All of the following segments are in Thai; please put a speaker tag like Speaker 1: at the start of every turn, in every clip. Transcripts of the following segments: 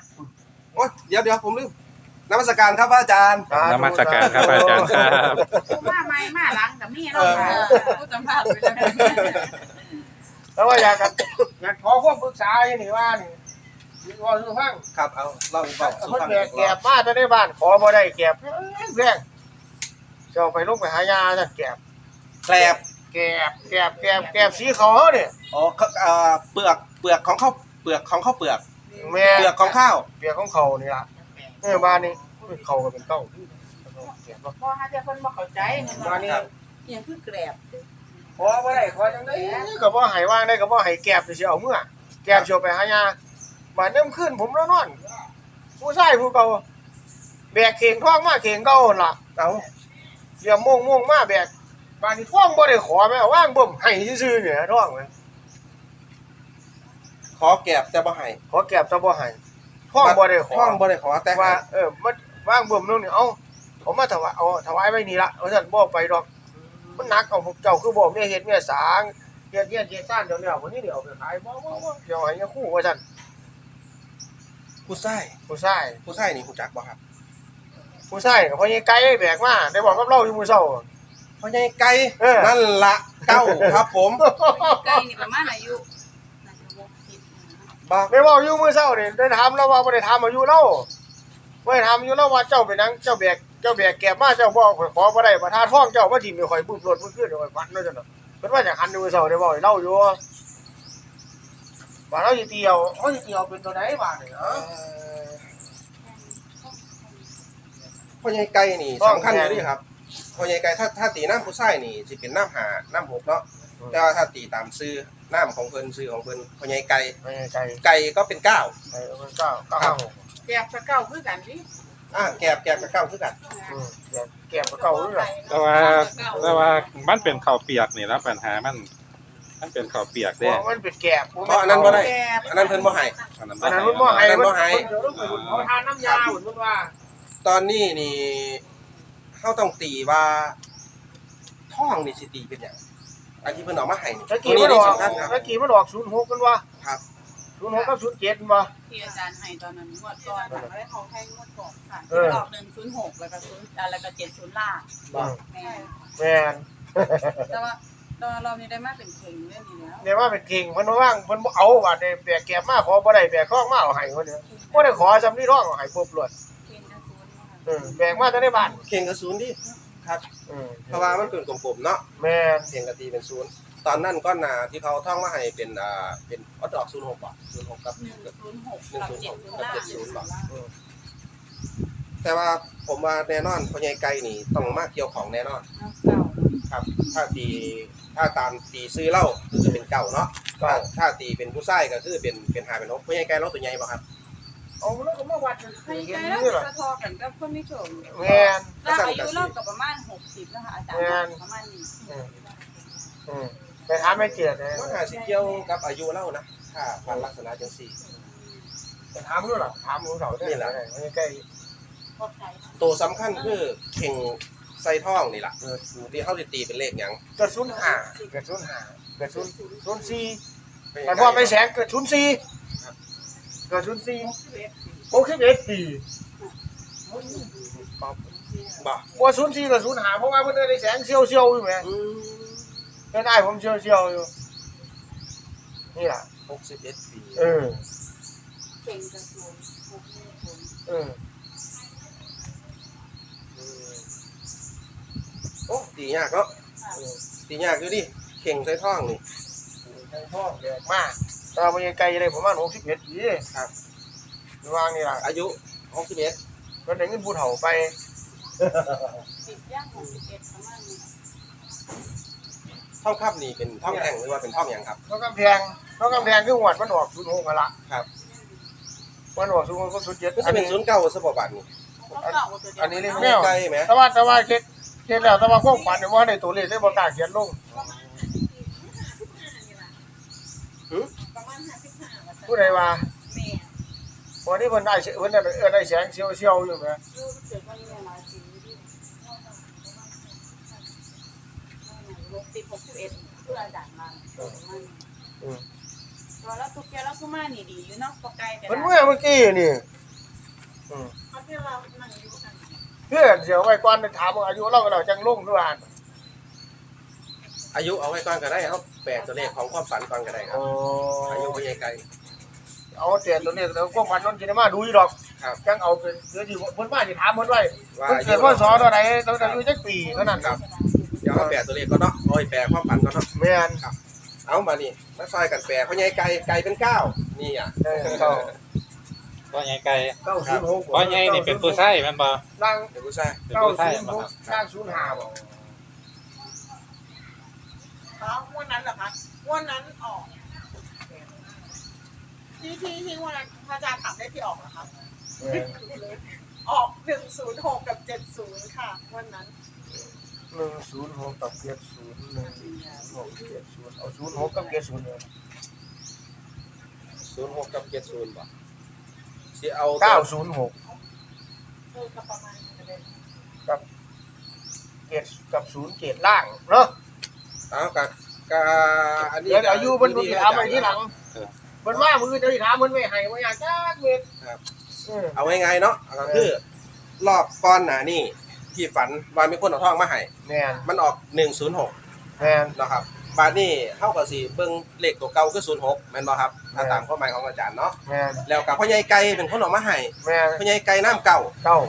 Speaker 1: โอ๊ยเดี๋ยวผมลืมนมัสการครับพระอาจารย์
Speaker 2: นมัสการครับอาจารย์ครับ
Speaker 3: กูมาไม่มาหลังกับมีเนาะกูสัมภาษณ์ไปแล้ว
Speaker 4: แล้วว่าอยากขอความปรึกษาอย่างนี้ว่านี่ว่าคือฟัง
Speaker 1: ครับเอาเล่าสู่
Speaker 4: คน
Speaker 1: ฟัง
Speaker 4: แก่มาจะได้บ้านขอบ่ได้แก่แรงจะเอาไปลงไปหายาจะแก่
Speaker 1: แกลบ
Speaker 4: แก่สีเขาเขาเนี่ย
Speaker 1: อ๋อเปลือกของข้าวเปลือกของข้าวเปลือก
Speaker 4: แม่
Speaker 1: เปลือกของข้าว
Speaker 4: เปียกของเขานี่ล่ะบ้านนี้เขาก็เป็นเต้าแก่บ่
Speaker 3: พอหาแต่คนบ่เข้าใจมัน
Speaker 4: บ้านนี้
Speaker 3: ยังคือแกรบ
Speaker 4: ขอบ่ได้ขอจังได๋ก็บ่ให้ว่างได้ก็บ่ให้แก่สิเอาเมื่อแก่สิเอาไปหายาบ้านนี้ขึ้นผมแล้วนอนผู้ชายผู้เก่าแบกเข่งท้องมาเข่งเก่าล่ะ
Speaker 1: เอา
Speaker 4: เสียม่วงมาแบกบ้านนี้ท้องบ่ได้ขอแม่ว่างบ่มให้ซื่อๆเนี่ยท้องแม่
Speaker 1: ขอแกลบแต่บ่ให้
Speaker 4: ขอแก็บแต่บ่ให้ท้องบ่ได้ขอ
Speaker 1: ห้องบ่ได้ขอแต่
Speaker 4: ว่ามันว่างบ่มนู่นนี่เอาผมมาถวายเอาถวายไว้นี่ละว่าซั่นบ่ไปดอกมันหนักเอาพวกเจ้าคือบ่มีเฮ็ดมีสางเฮ็ดซ่านเดี๋ยวแล้ววันนี้เดี๋ยวเอาไปขายบ่เดี๋ยวให้คู่ว่าซั่น
Speaker 1: ผู้ชาย
Speaker 4: ผู้ชาย
Speaker 1: นี่ฮู้จักบ่ครับ
Speaker 4: ผู้ชายก็พ่อใหญ่ไก่แบกมาได้บอกกับเราอยู่มื้อเช้า
Speaker 1: พ่อใหญ่ไก่
Speaker 4: เออ
Speaker 1: นั่นละเก้าครับผม
Speaker 3: ไก่นี่ประมาณอายุน่าจะ60
Speaker 1: บ่
Speaker 4: ได้เว้าอยู่มื้อเช้านี่ได้ถามเราว่าบ่ได้ถามอายุเราบ่ได้ถามอายุเราว่าเจ้าเป็นหยังเจ้าแบกแก็บมาเจ้าบ่ขอบ่ได้บ่ทาท้องเจ้าบ่ทิ่มให้ข่อยบึ้มรถมื้อคืนข่อยฟันเนาะจังเนาะเพิ่นว่าจะหันอยู่มื้อเช้าได้เว้าให้เราอยู่ว่าเราสิเตียวเป็นตัวใดบาดนี่เออ
Speaker 1: พ่อใหญ่ไก่นี่สำคัญอยู่ดิครับพ่อใหญ่ไก่ถ้าตีน้ำผู้ชายนี่สิเป็นน้ำหาน้ำหกเนาะแต่ว่าถ้าตีตามซื้อน้ำของเพิ่นซื้อของเพิ่นพ่อใหญ่ไก่
Speaker 4: ไม่ใช่
Speaker 1: ไก่ก็เป็นเก้า
Speaker 4: ไก่มัน9
Speaker 3: แกรบกับเก่าคือกันดิ
Speaker 1: แกบกับเก้าคือกัน
Speaker 4: แก่มันเก่าด้วย
Speaker 2: แต่ว่ามันเป็นข้าวเปียกนี่แล้วปัญหามันเป็นข้าวเปียก
Speaker 4: เพ
Speaker 2: เด้
Speaker 4: ราะมันเป็นแก่
Speaker 1: เพราะอันนั้นบ่ได้อันนั้นเพิ่นบ่ให้
Speaker 2: อันนั้น
Speaker 4: อันนั้น
Speaker 2: บ่
Speaker 4: มันบ่ให้
Speaker 1: อันนั้นบ่ให้
Speaker 4: เขาทานน้ำยาเหมือนว่า
Speaker 1: ตอนนี้นี่เฮาต้องตีว่าท้องนี่สิตีเป็นหยังอันที่เพิ่นเอามาให้นี่
Speaker 4: ตะ
Speaker 1: ตั
Speaker 4: กี้
Speaker 1: ว
Speaker 4: มัน
Speaker 1: นี้
Speaker 4: ออก
Speaker 1: สำคัญครับ
Speaker 4: ตะกี้มันออก06กันว่า
Speaker 1: ครับ
Speaker 4: 06กับ07มันว่า
Speaker 3: ที่อาจารย์ให้ตอนนั้นงวดก่อนค่ะก็ได้เขาให้งวดก่อนค่ะ
Speaker 4: เออ
Speaker 3: ออก106แล้วก็0แล้วก็70ล่าง
Speaker 4: บ่
Speaker 3: แม่
Speaker 4: แม่น
Speaker 3: แต่ว่าตอนรอบนี้ได้มาเป็นเข่งเรื่องนี้แล้ว
Speaker 4: เดี๋ยวว่าเป็นเก่งเพิ่นว่างเพิ่นบ่เอาว่าได้แบกแก่มาขอบ่ได้แบกท้องมาเอาให้เพิ่นบ่ได้ขอจำนี่ท้องเอาให้ปุ๊บรวด
Speaker 3: เข่งจะศูนย์นะคะ
Speaker 4: แบกมาแต่ในบ้าน
Speaker 1: เข่งกับศูนย์ดิครับเพราะว่ามันเป็นกลมๆเนาะ
Speaker 4: แม่น
Speaker 1: เข่งกับตีเป็นศูนย์ตอนนั้นก้อนหนาที่เขาท่องมาให้เป็นเป็นออดอก06บ่06กับ
Speaker 3: 106กับ70ล่าง
Speaker 1: 70บ่แต่ว่าผมว่าแน่นอนพ่อใหญ่ไก่นี่ต้องมาเกี่ยวของแน่นอน
Speaker 3: เก่า
Speaker 1: ครับ ถ้าตามตีซื้อเหล้าก็คือเป็นเก่าเนาะถ้าตีเป็นผู้ชายก็คือเป็นหาเป็นนกพ่อใหญ่ไก่เราตัวใหญ่บ่ครับ
Speaker 4: เอาแล้วก็มาวัด
Speaker 3: ใครใจแล้วจะทอกันกับคนไม่ชม
Speaker 4: แม่น
Speaker 3: แล้วอายุเริ่มกับประมาณ60นะคะอาจารย์ประมาณนี้
Speaker 4: ไปถามแม่เจียดเลย
Speaker 1: มันหาสิเกี่ยวกับอายุเหล้านะถ้าพันลักษณะจังซี่
Speaker 4: ไปถามรู้หรอถามรู้เขาได้แหละใกล้
Speaker 3: พวกใคร
Speaker 1: ตัวสำคัญคือเข่งใส่ท้องนี่ล่ะที่เฮาสิตีเป็นเลขหยัง
Speaker 4: เกิด05เกิด05เกิด04แต่พอไปแสงเกิด04เกิด04 61ปี
Speaker 1: บ่
Speaker 4: ว่า04กับ05เพราะว่าเพิ่นได้แสงเซียวๆอยู่แหมเพิ่นได้ผมเซียวๆอยู่นี่ล่ะ
Speaker 1: 61 ปี
Speaker 3: เก่งกระทรวง
Speaker 1: โอ้ตียากเนาะตียากอยู่ดิเข่งใส่ท้องนี่
Speaker 4: ในท้องแดกมากตาบ่ยังไกลเลยประมาณ61ปีครับวางนี่ล่ะ
Speaker 1: อายุ61
Speaker 4: เพิ่นได้เงินผู้เฒ่าไป
Speaker 3: 10ย่าง61ประมาณนี้
Speaker 1: ท่องคับนี่เป็นท่องแท่งหรือว่าเป็นท่องหยังครับ
Speaker 4: เขากำแพงคือหวดมันออก06กันละ
Speaker 1: ครับ
Speaker 4: มันออก06กับ07
Speaker 1: ก็จะเป็น09สปอร์ตบัตรนี่
Speaker 4: อันนี้เรียก
Speaker 1: แม
Speaker 4: แมว
Speaker 1: ไกลไหม
Speaker 4: แต่ว่าเฮ็ดแล้วแต่ว่าความฝันเนี่ยบ่ได้ตัวเลขเลยบ่กล้าเขียนลงผู้ใดว่า
Speaker 3: แม่
Speaker 4: วันนี้เพิ่นได้แสงเซียวๆอยู่แหม
Speaker 3: ลูกเกิดวันนี้หลายปีที่61เพื่ออาจารย์มาตอนแล้วทุกแกแล้วก็มานี่ดีอยู่เนาะปกไก่แต่
Speaker 4: เพิ่นเมื่อกี้นี่
Speaker 3: เขาที่เรานั่งอยู่กัน
Speaker 4: เพื่อนเสียวไว้ก่อนถามว่าอายุเราจังลงคือว่า
Speaker 1: อายุเอาไว้ก่อนก็ได้ครับแปลตัวเลขของความฝันก่อนก็ได้ครับ
Speaker 4: โอ้
Speaker 1: อายุพ่อใหญ่ไก่
Speaker 4: เอาแต่ตัวนี้แล้วก็ฝันนนสิมาดูอยู่ดอก
Speaker 1: ครับ
Speaker 4: จังเอาเป็นเดี๋ยวสิเพิ่นมาสิถามเพิ่นไว้
Speaker 1: ว่า
Speaker 4: เพิ่น
Speaker 1: อา
Speaker 4: เกิ
Speaker 1: ยุ
Speaker 4: ดว่าสอเท่าใดต้องอายุจักปีเท่านั้น
Speaker 1: ครับเดี๋ยวเอาแปลตัวเลขก็เนาะโอ้ยแปลความฝันก็เนาะ
Speaker 4: แม่น
Speaker 1: เอามานี่มาซอยกันแปลพ่อใหญ่ไก่ไก่เป็น9นี่อ่ะ
Speaker 4: เก้า
Speaker 2: พ่อใหญ่ไก่
Speaker 4: 906
Speaker 2: พ่อใหญ่นี่เป็นผู้ชายแม่นบ่
Speaker 4: ล่าง
Speaker 1: เป็นผู้ชาย
Speaker 2: เป็นผู้ชายบ่ครับ
Speaker 4: ล่าง05บ่
Speaker 3: เขาวันนั้นเหรอคะวันนั้นออกที่วันนั้นพระอาจารย์ถามได้ที่ออกเหรอคะออก106กับ70ค่ะวันนั้น
Speaker 4: 106กับ70 106 70เอา06กับ70เลย
Speaker 1: 06กับ70บ่สิเอา
Speaker 4: 906
Speaker 3: ก็ประมาณนั้นเลย
Speaker 4: กับ0เกตล่างเนาะ
Speaker 1: เอากะอันนี้
Speaker 4: เดี๋ยวอายุเพิ่นสิถามไปทีหลังเพิ่นว่ามือจะสิถามเพิ่นไว้ให้ว่าอยากจักเม็ด
Speaker 1: ครับเอาง่ายๆเนาะก็คือรอบก่อนหน้านี่ที่ฝันว่ามีคนเอาทองมาให้
Speaker 4: แม่น
Speaker 1: มันออก106
Speaker 4: แม่น
Speaker 1: นะครับบาดนี้เฮาก็สิเบิ่งเลขตัวเก่าคือ06แม่นบ่ครับถ้าตามความหมายของอาจารย์เนาะ
Speaker 4: แม่น
Speaker 1: แล้วกับพ่อใหญ่ไก่เป็นคนเออกมาให้
Speaker 4: แม่น
Speaker 1: พ่อใหญ่ไก่น้ำเก่า
Speaker 4: เก้า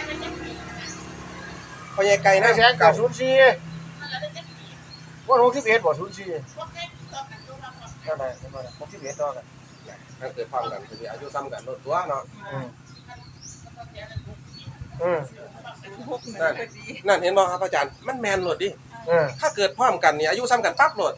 Speaker 1: พ่อใหญ่ไก่
Speaker 4: ได้แสน
Speaker 1: น้ำ
Speaker 4: กั
Speaker 1: เก่า
Speaker 4: บ04ว่า61บ่04เท่าไหร่เท่าไหร่61ต่อกัน
Speaker 1: มันเกิดความกันคืออายุซ้ำกันลดตัวเนาะ
Speaker 4: อืม
Speaker 1: นั่นเห็นบ่ครับอาจารย์มันแม่นโลดดิ ถ้าเกิดพร้อมกันนี่อายุซ้ำกันปั๊บโลด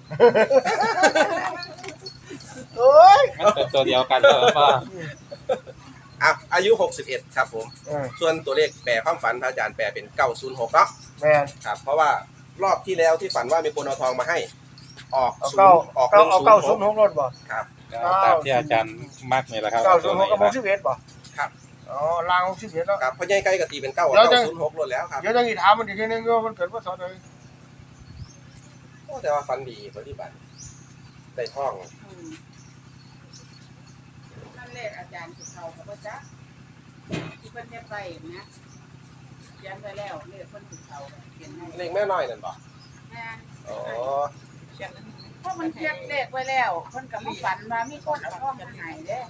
Speaker 4: เอ้ย
Speaker 2: มันเป็นตัวเดียวกันเหรอบ่
Speaker 1: อ่ะอายุ61ครับผมส่วนตัวเลขแปลความฝันพระอาจารย์แปลเป็น906เนาะ
Speaker 4: แม่น
Speaker 1: ครับเพราะว่ารอบที่แล้วที่ฝันว่ามีคนเอาทองมาให้ ออก
Speaker 4: เอา
Speaker 1: 0
Speaker 4: เก้า
Speaker 1: ออก
Speaker 4: เอาเก้า
Speaker 1: 106
Speaker 4: 06รถบ่
Speaker 1: ครับ
Speaker 2: ตามที่อาจารย์มักนี่แหละครับ
Speaker 4: 906กับ61บ่
Speaker 1: ครับ
Speaker 4: อ๋อลาง61เนาะ
Speaker 1: ครับพ่อใหญ่ไก่ก็ตีเป็น9
Speaker 4: เดี๋ยวจะ
Speaker 1: 906โลดแล้วครับ
Speaker 4: เดี๋ยวจะสิถามมันอีกทีนึงว่ามันเกิดว่าสอใด
Speaker 1: โอ้แต่ว่าฝันดีปฏิบัติได้ทอง
Speaker 3: นั่นเลขอาจารย์ที่เขาบอกว่าจ๊ะที่เพิ่นได้ไปนะยันไปแล้วเลขเพิ่นที่เขาเขียนให้
Speaker 1: เลขแม่น้อยนั่นบ่
Speaker 3: แม่
Speaker 1: อ๋อ
Speaker 3: เพราะมันเขียนเลขไว้แล้วเพิ่นก็มาฝันว่ามีคนเอาทองมาให้เด้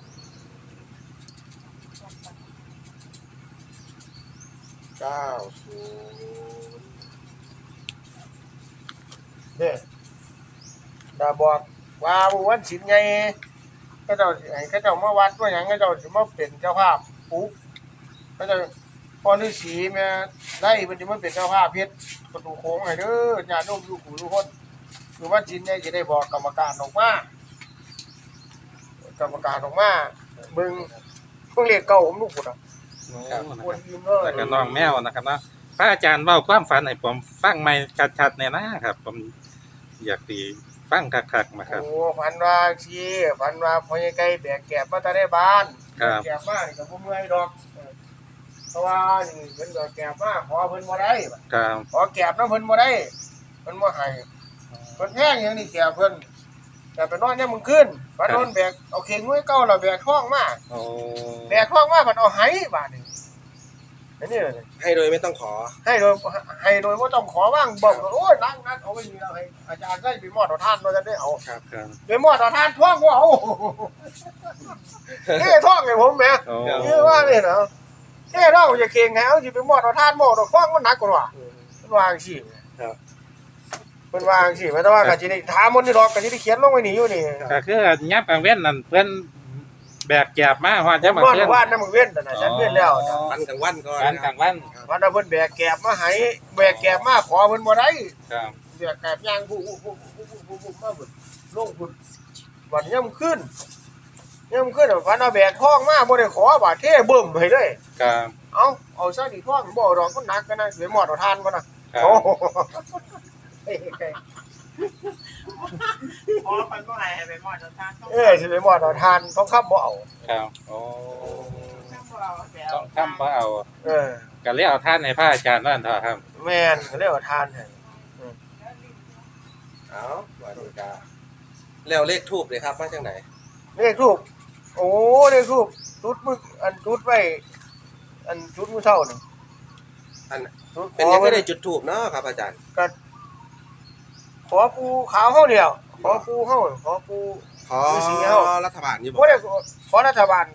Speaker 1: 90
Speaker 4: เนี่ยดาบอกว่าวันศิลไงก็เจ้าให้เขาเจ้ามาวัดว่าหยังเขาเจ้าสิมาเป็นเจ้าภาพปุ๊บเขาเจ้าพอฤาษีแม่ได้มันสิมาเป็นเจ้าภาพเพชรประตูโค้งให้เด้อญาติโยมอยู่กูทุกคนคือวันศิลไงจะได้บอกกรรมการออกมากรรมการออกมาเบิ่งเพิ่งเรียกเก่าผมลูกพุ่นน่ะคนยืมเล
Speaker 2: แล้วก็
Speaker 4: ย
Speaker 2: น้องแมวนะครับเนาะพระอาจารย์เว้าความฝันให้ผมฟังใหม่ชัดๆแน่นะครับ ผมอยากสิฟังคักๆมาครับ
Speaker 4: โอ้พันว่าสิพันว่าพ่อใหญ่ไก่แบกแกบมาแต่ในบ้าน
Speaker 2: ครับ
Speaker 4: แกบมานี่ก็บ่เมื่อยดอกเพราะว่านี่เพิ่นก็แกบมาขอเพิ่นบ่ได้
Speaker 2: ครับ
Speaker 4: ขอแกบนำเพิ่นบ่ได้เพิ่นบ่ให้เพิ่นแพงอย่างนี้แกบเพิ่นแต่ไปนอนยามมื้อคืนไปนอนแบกเอาเข่งไว้เก่าแล้วแบกท้องมา
Speaker 2: โอ้
Speaker 4: แบกท้องมาเพิ่นเอาไหบาดนี้อันนี้เลย
Speaker 1: ให้โดยไม่ต้องขอ
Speaker 4: ให้โดยบ่ต้องขอว่างบอกโอ้ยนั่งเอาไว้นี่แล้วให้อาจารย์ใส่ไปมอดเอาทานว่าจะได้เอา
Speaker 1: ครับ
Speaker 2: ครับ
Speaker 4: ไปมอดเอาทานท้องบ่เอานี่ท้องให้ผมแหม
Speaker 2: โอ้
Speaker 4: นี่ว่านี่เนาะแค่เราจะเข่งให้เอาสิไปมอดเอาทานหมอดอกฟ้องมันหนักกว่ามันวาจังซี่
Speaker 1: ครับ
Speaker 4: เพิ่นวาจังซี่แต่ว่าก็สิได้ถามมันนี่ดอกก็สิได้เขียนลงไว้นี่อยู่นี่
Speaker 2: ก็คือยับกลางเว้นนั่นเพิ่นแบกแกบมาฮอด
Speaker 4: จะ
Speaker 2: จะ
Speaker 4: มา
Speaker 2: มา
Speaker 4: เพิ่
Speaker 2: เพิ่
Speaker 4: น
Speaker 2: น
Speaker 4: ว่านำเว้นนั่นน่ะฉันเว้นแล้ว
Speaker 1: วันกลางวันก่อน
Speaker 2: การกลางวัน
Speaker 4: วันนั้นเพิ่นแบกแกบมาให้แบกแกบมาขอเพิ่นบ่ได้
Speaker 2: ครับ
Speaker 4: แบกแกบย่างผู้มาเพิ่นลงเพิ่นวันย่ำขึ้นฝันเอาแบกท้องมาบ่ได้ขอบาดเทเบิ่มให้เลย
Speaker 2: ครับ
Speaker 4: เอาซะดิท้องบ่ดอกมันหนักกันนะสิไปมอดเอาทานก่อนนะครับ โอ้เฮ้ย
Speaker 3: พอเพิ่นบ่ให้ไปหมอดเอาทางต้อง
Speaker 4: สิไปมอดเอาทานต้องขับบ่เอา
Speaker 2: ครับโอ้
Speaker 3: บ่เอาแล้ว
Speaker 2: ต้องทำบ่เอา
Speaker 4: เออ
Speaker 2: ก็เลยเอาท่านให้พระอาจารย์ว่านั่นเถอะครับ
Speaker 4: แม่นเขาเรียกว่าทานให้
Speaker 1: เอาวันนี้ก็แล้วเลขทูบเลยครับมาจากไหน
Speaker 4: เลขทูบโอ้เลขทูบจุดมึกอันจุดไว้อันจุดมื้อเช้านี่
Speaker 1: อัน
Speaker 4: จุด
Speaker 1: เป็นยังไม่ได้จุดทูบเนาะครับอาจารย์
Speaker 4: ก็ขอปูขาวเฮาเดียวขอปูเฮาขอปู
Speaker 1: ขอ
Speaker 4: ฤาษีเอ้า
Speaker 1: รัฐบาลอยู่บ่
Speaker 4: บ่ได้ขอรัฐบาล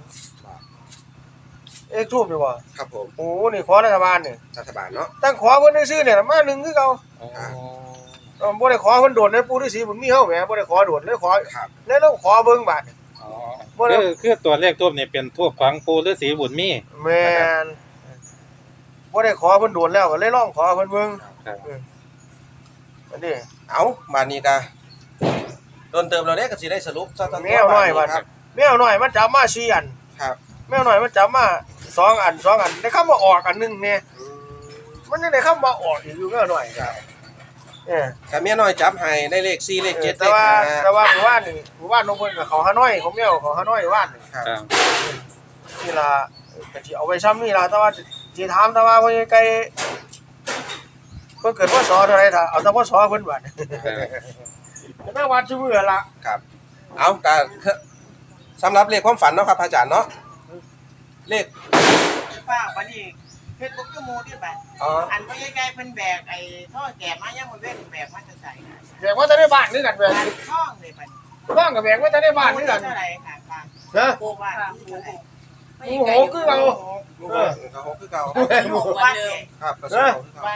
Speaker 4: ทูบอยู่บ่
Speaker 1: ครับผม
Speaker 4: โอ้นี่ขอรัฐบาลนี่
Speaker 1: รัฐบาลเนาะ
Speaker 4: ตั้งขอเพิ่นซื่อๆเนี่ยมาหนึ่งคือเก่า บ่ได้ขอเพิ่นโดดในปู่ฤาษีบุญมีเฮาแหมบ่ได้ขอโดดเลยขอ
Speaker 1: ครับ
Speaker 4: แล้วเราขอเบิ่งบาด
Speaker 2: อ๋อ
Speaker 4: บ่ได้
Speaker 2: คือตัวเลขทูบนี่เป็นทูบของปู่ฤาษีบุญมี
Speaker 4: แม่นบ่ได้ขอเพิ่นโดดแล้วก็เลยลองขอเพิ่นเบิ่ง
Speaker 2: ครับ
Speaker 4: อันนี้
Speaker 1: เอามานี่ก็โดนเติมเราเนี่ยก็สิได้สรุปซะตอน
Speaker 4: แมวน้อยบัด
Speaker 1: ครับ
Speaker 4: แมวน้อยมันจับมา4อัน
Speaker 1: ครับ
Speaker 4: แมวน้อยมันจับมา2อัน2อันได้คำว่าออกอันนึงแม่มันยังได้คำว่าออกอีกอยู่แมวน้อยครับ
Speaker 1: กับเมียน้อยจับให้ได้เลข4เลข7เล
Speaker 4: แต่
Speaker 1: ข
Speaker 4: ว่า
Speaker 1: 5
Speaker 4: แต่ว่าหมู่บ้านน้องเพิ่นก็เขาหาน้อยของแมวเขาหาน้อยว่านนี่
Speaker 1: ครับ
Speaker 2: ครับ
Speaker 4: นี่ล่ะก็สิเอาไว้ซ้ำนี่ล่ะแต่ว่าสิถามแต่ว่าเพิ่นไกลเพิ่นเกิดพศเท่าไหร่ถ้าเอาแต่พศเพิ่นบัดแต่แม่วัดชื่อมื้อล่ะ
Speaker 1: ครับ เอาก็สำหรับเลขความฝันเนาะครับอาจารย์เนาะเลข
Speaker 3: ฟ้าวันนี้เฮ็ดบ่คือหมู่ที่บัด
Speaker 1: อ๋อ
Speaker 3: อันบ่ใกล้ๆเพิ่นแบกไอ้ท่อแก่มายังบ่เว้นแบกมาจะใส่นะ
Speaker 4: แบกว่าจะได้บ้านคือกันแบก
Speaker 3: อันท่องเลยบัด
Speaker 4: บ้านกับแบกว่าจะได้บ้านคือกัน
Speaker 3: เท่าไหร่ค่ะป้า
Speaker 4: นะ
Speaker 3: โกว่าเท่าไหร่
Speaker 4: โอ้โหคือเรา
Speaker 1: เขาหกคือเก่า
Speaker 3: หมู่บ้านเนี่ย
Speaker 1: ครับก็2คือเก่า
Speaker 3: บ้าน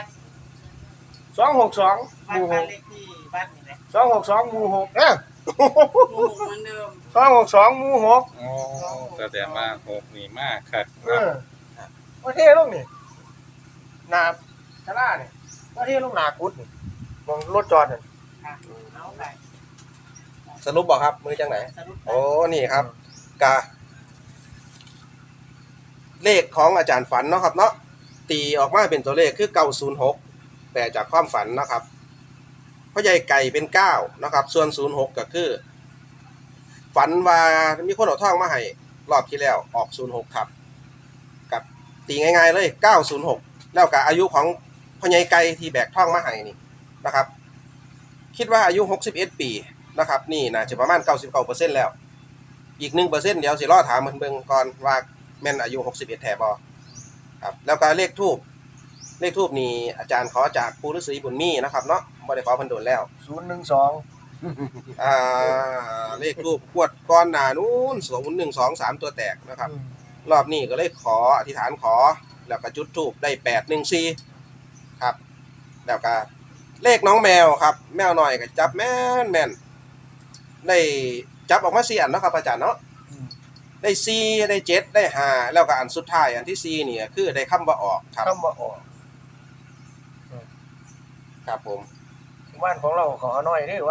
Speaker 4: 262ห
Speaker 3: บ้าน
Speaker 4: มู่
Speaker 3: บ้านเลขที่บ้านนี่แหละ
Speaker 4: 262หมู่6เอ้อ
Speaker 3: หมู่เหมือนเดิม
Speaker 4: 262หมู่6
Speaker 2: โอ้แสดงว่าหกนี่มากครับ
Speaker 4: ว่าเท่ลงนี่หน้าศาลานี่ว่าเท่ลงหน้ากุดนี่มองรถจอดนั่น
Speaker 3: ค่ะเอาไป
Speaker 1: สรุปบ่ครับมือจังไหน
Speaker 3: สรุป
Speaker 1: โอ้นี่ครับกะเลขของอาจารย์ฝันเนาะครับเนาะตีออกมาเป็นตัวเลขคือ906แต่จากความฝันเนาะครับพ่อใหญ่ไก่เป็น9นะครับส่วน06ก็คือ ฝันว่ามีคนเอาทองมาให้รอบที่แล้วออก06ครับกับตีง่ายๆเลย906แล้วกับอายุของพ่อใหญ่ไก่ที่แบกทองมาให้นี่นะครับ คิดว่าอายุ61ปีนะครับนี่น่าจะประมาณ99%แล้วอีก 1% เดี๋ยวสิรอถามเพิ่นเบิ่งก่อนว่าแม่นอายุ61แท้บ่ครับแล้วก็เลขทูปนี่อาจารย์ขอจากปู่ฤาษีบุญมีนะครับเนาะบ่ได้ขอเพิ่นโดนแล้ว
Speaker 4: 012
Speaker 1: เลขทูปกวดก้อนหน้านู้น0123ตัวแตกนะครับรอบนี้ก็เลยขออธิษฐานขอแล้วก็จุดธูปได้814ครับแล้วก็เลขน้องแมวครับแมวหน่อยก็จับแม่นได้จับออกมา4อันเนาะครับอาจารย์เนาะได้4ได้7ได้5แล้วก็อันสุดท้ายอันที่4นี่คือได้คำว่าออกครับ
Speaker 4: คำว่าออก
Speaker 1: ครับผม
Speaker 4: บ้านของเราขอน้อยเด้อว่า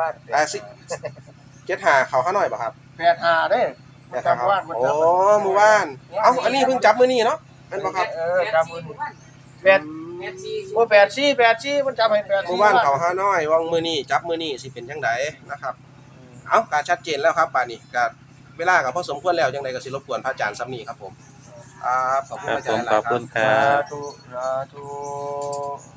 Speaker 1: 75เขาหาหน่อยบ่ครับ
Speaker 4: 85เด้อ
Speaker 1: แต่ครับโอ้หมู่บ้านเอ้าอันนี้เพิ่งจับมื้อนี้เนาะแม่นบ่ครับ
Speaker 4: จับมื้อนี้8บ่84มันจับให้84
Speaker 1: หมู่บ้านเขาหาน้อยวังมื้อนี้จับมื้อนี้สิเป็นจังไดนะครับเอ้าก็ชัดเจนแล้วครับป่านนี้ก็เวลาก็พอสมควรแล้วจังไดก็สิรบกวนพระอาจารย์ซ้ำนี้ครับผมขอบคุณ
Speaker 2: ครับ
Speaker 1: พระอา
Speaker 2: ผ
Speaker 1: จาร
Speaker 2: ม
Speaker 1: ย์ห
Speaker 2: ข
Speaker 1: ลา
Speaker 2: อย บ
Speaker 1: ครั
Speaker 2: คุ
Speaker 1: บ
Speaker 2: ณครั
Speaker 4: สา
Speaker 2: บ
Speaker 4: ธุสาธุ